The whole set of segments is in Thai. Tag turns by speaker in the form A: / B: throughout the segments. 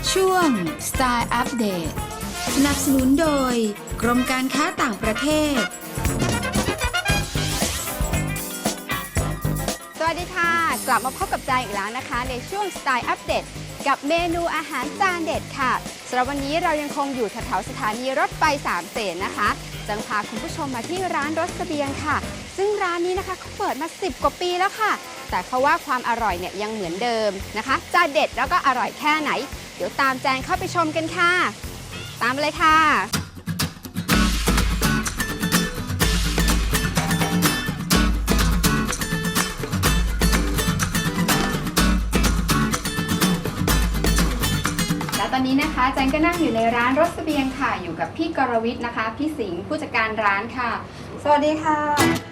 A: ช่วง Style Update สนับสนุนโดยกรมการค้าต่างประเทศ
B: สวัสดีค่ะกลับมาพบกับใจอีกแล้วนะคะในช่วง Style Update กับเมนูอาหารจานเด็ดค่ะสำหรับวันนี้เรายังคงอยู่แถวๆสถานีรถไฟสามเสนนะคะจะพาคุณผู้ชมมาที่ร้านรสเสบียงค่ะซึ่งร้านนี้นะคะเขาเปิดมา10 กว่าปีแล้วค่ะแต่เขาว่าความอร่อยเนี่ยยังเหมือนเดิมนะคะจะเด็ดแล้วก็อร่อยแค่ไหนเดี๋ยวตามแจงเข้าไปชมกันค่ะตามเลยค่ะตอนนี้นะคะแจงก็นั่งอยู่ในร้านรสเสบียงค่ะอยู่กับพี่กรวิทย์นะคะพี่สิงห์ผู้จัดการร้านค่ะสวัสดีค่ะ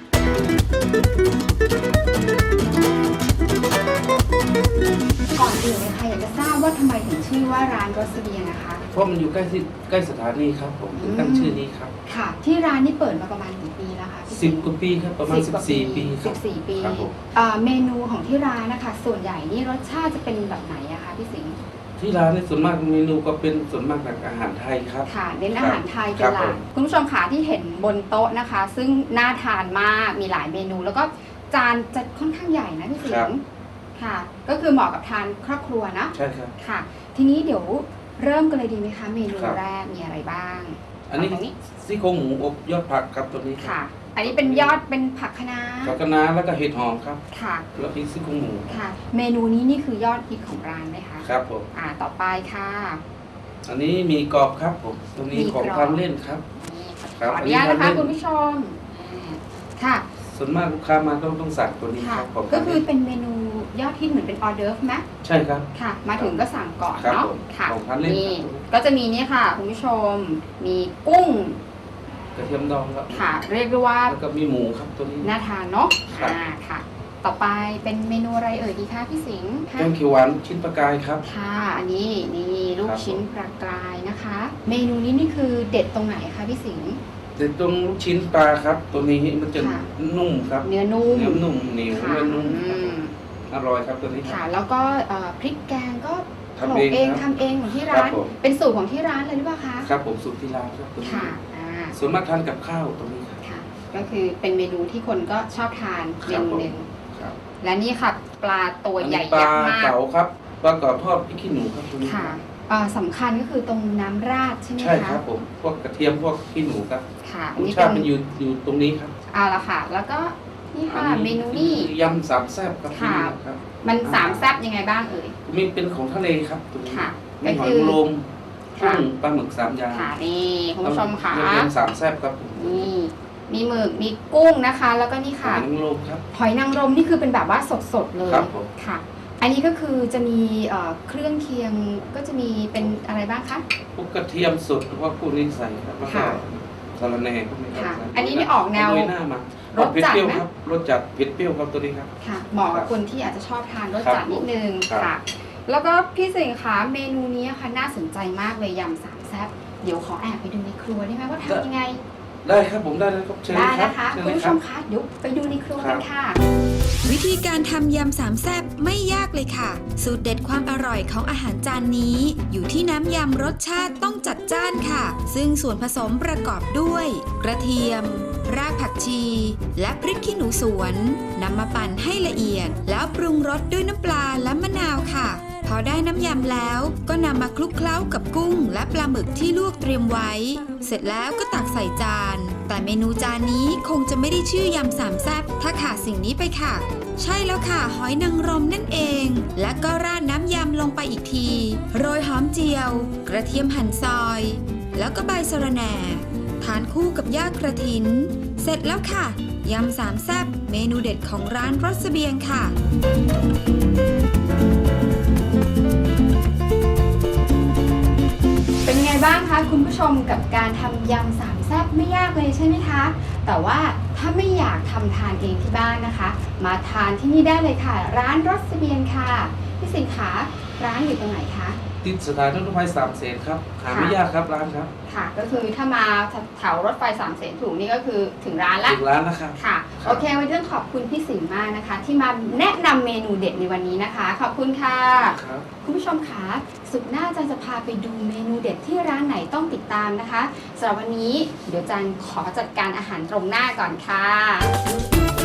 B: ก่อนอื่นเลยค่ะอยากจะทราบว่าทำไมถึงชื่อว่าร้านรสเสบียงนะคะ
C: เพราะมันอยู่ใกล้สถานีครับผมตั้งชื่อนี้ครับ
B: ค่ะที่ร้านนี้เปิดมาประมาณกี่ปีแล้วคะ
C: 10 กว่าปีครับประมาณ14 ปีครับ
B: 14 ปี
C: ครับผม
B: เมนูของที่ร้านนะคะส่วนใหญ่นี่รสชาติจะเป็นแบบไหนอะคะพี่สิงห์
C: ที่ร้านในส่วนมากเมนูก็เป็นส่วนมากจากอาหารไทยครับ
B: ค่ะเน้นอาหารไทยเป็นหลักคุณผู้ชมค่ะที่เห็นบนโต๊ะนะคะ ซึ่งน่าทานมากมีหลายเมนู แล้วก็จานจะค่อนข้างใหญ่นะพี่สิงห์ค่ะก็คือเหมาะกับทานครอบครัวนะ
C: ใช่ครับ
B: ค่ะทีนี้เดี๋ยวเริ่มกันเลยดีไหมคะเมนูแรกมีอะไรบ้าง
C: อันนี้ซี่โครงหมูอบยอดผักครับตัวนี้
B: ค่ะอันนี้เป็นยอดเป็นผักคะน้า
C: ผักคะน้าแล้วก็เห็ดหอมครับ
B: ค่ะ
C: แล้วพริกซี่โครงหมู
B: ค่ะเมนูนี้นี่คือยอดฮิตของร้านไหมคะ
C: ครับผม
B: ต่อไปค่ะ
C: อันนี้มีกรอบครับผมตัวนี้ของทานเล่นครับ
B: ขออนุญาตนะคะคุณผู้ชมค่ะ
C: ส่วนมากลูกค้ามาต้องสั่งตัวนี้ครับ
B: ก็คือเป็นเมนูยอดฮิตเหมือนเป็นออเดิร์ฟไหม
C: ใช่ครับ
B: ค่ะมาถึงก็สั่งก่อนเนาะค่ะ
C: นี่
B: ก็จะมีนี่ค่ะคุณผู้ชมมีกุ้ง
C: กระเทียมดองครับ
B: ค่ะเรียกได้ว่า
C: แล้วก็มีหมูครับตัวนี้
B: น่าทานเนาะค่ะต่อไปเป็นเมนูอะไรเอ่ยดีคะพี่สิงห์
C: แกงเขียวหวานชิ้นปลากายครับ
B: ค่ะอันนี้นี่ลูกชิ้นปลากายนะคะเมนูนี้นี่คือเด็ดตรงไหนคะพี่สิงห์
C: เด็ดตรงลูกชิ้นปลาครับตัวนี้มันจะนุ่มครับ
B: เนื้อนุ่ม
C: เหนียวเนื้อนุ่มอร่อยครับตัวนี้
B: ค่ะแล้วก็พริกแกงก็ทำเองของที่ร้านเป็นสูตรของที่ร้านเลยหรือเปล่าคะ
C: ครับผมสูตรที่ร้านครับตัวนี้
B: ค่ะ
C: ส่วนมากทานกับข้าวตรงนี้
B: ค่ะก็คือเป็นเมนูที่คนก็ชอบทานเมนูหนึ่งและนี่ค่ะปลาตัวใหญ่ยักษ์มาก
C: ปลาเก๋าครับปลาเก๋าทอดพริกขี้หนูครับตรงนี้
B: ค่ะสำคัญก็คือตรงน้ำราดใช่ไหมคะ
C: ใช่ครับผมพวกกระเทียมพวกขี้หนูครับ
B: ค่ะ
C: รสชาติมันอยู่ตรงนี้ครับ
B: ละค่ะแล้วก็นี่ค่ะเมนูนี่
C: ยำสามแซ่บครับ
B: ค่ะมันสามแซ่บยังไงบ้างเอ่ย
C: มีเป็นของทะเลครับตรงนี้
B: ค่ะ
C: มีหอยนางรมกุ้งปลาหมึก3 อย่าง
B: ค่ะนี่คุณผู้ชมค่ะ
C: ยำสามแซ่บครับ
B: นี่มีหมึกมีกุ้งนะคะแล้วก็นี่ค่ะ
C: หอยนางรมครับ
B: หอยนางรมนี่คือเป็นแบบว่าสดๆเลย
C: ครับผม
B: ค่ะอันนี้ก็คือจะมีเครื่องเคียงก็จะมีเป็นอะไรบ้างคะ
C: พวกกระเทียมสดหรือว่าพวกนี้ใส่ครับแล้วก็สาระแหน่พวกนี้
B: ครับอันนี้นี่ออกแนว
C: รสจัดไหมรสจัดเผ็ดเปรี้ยวครับตัวนี้ครับ
B: ค่ะเหมาะกับคนที่อาจจะชอบทานรสจัดนิดนึงค่ะแล้วก็พี่สิงห์คะเมนูนี้ค่ะน่าสนใจมากเลยยำสามแซ่บเดี๋ยวขอแอบไปดูในครัวได้ไหมว่าทำยังไง
C: ได้ครับผมได้ครับเชิญ
B: ได้นะคะคุณผู้ชมคะเดี๋ยวไปดูในครัวกันค่ะ
A: วิธีการทำยำสามแซ่บไม่ยากเลยค่ะสูตรเด็ดความอร่อยของอาหารจานนี้อยู่ที่น้ำยำรสชาติต้องจัดจ้านค่ะซึ่งส่วนผสมประกอบด้วยกระเทียมรากผักชีและพริกขี้หนูสวนนำมาปั่นให้ละเอียดแล้วปรุงรสด้วยน้ำปลาและมะนาวค่ะพอได้น้ำยำแล้วก็นำมาคลุกเคล้ากับกุ้งและปลาหมึกที่ลวกเตรียมไว้เสร็จแล้วก็ตักใส่จานแต่เมนูจานนี้คงจะไม่ได้ชื่อยำสามแซ่บถ้าขาดสิ่งนี้ไปค่ะใช่แล้วค่ะหอยนางรมนั่นเองและก็ราดน้ำยำลงไปอีกทีโรยหอมเจียวกระเทียมหั่นซอยแล้วก็ใบสะระแหน่ทานคู่กับยอดกระถินเสร็จแล้วค่ะยำสามแซ่บเมนูเด็ดของร้านรสเสบียงค่ะ
B: เป็นไงบ้างคะคุณผู้ชมกับการทำยำสามแซ่บไม่ยากเลยใช่ไหมคะแต่ว่าถ้าไม่อยากทำทานเองที่บ้านนะคะมาทานที่นี่ได้เลยค่ะร้านรสเสบียงค่ะพี่สิงห์คะร้านอยู่ตรงไหนคะ
C: ติดสถานีรถไฟสามเสนครับหาไม่ยากครับร้านครับ
B: ค่ะก็คือถ้ามาแถวรถไฟสามเสนถูกนี่ก็คือถึงร้านละ
C: ถึงร้านแล้วครับ
B: ค่ะโอเควันนี้ต้องขอบคุณพี่สิงห์มากนะคะที่มาแนะนำเมนูเด็ดในวันนี้นะคะขอบคุณค่ะคุณผู้ชมคะสุดหน้าอาจารย์จะพาไปดูเมนูเด็ดที่ร้านไหนต้องติดตามนะคะสำหรับวันนี้เดี๋ยวอาจารย์ขอจัดการอาหารตรงหน้าก่อนค่ะ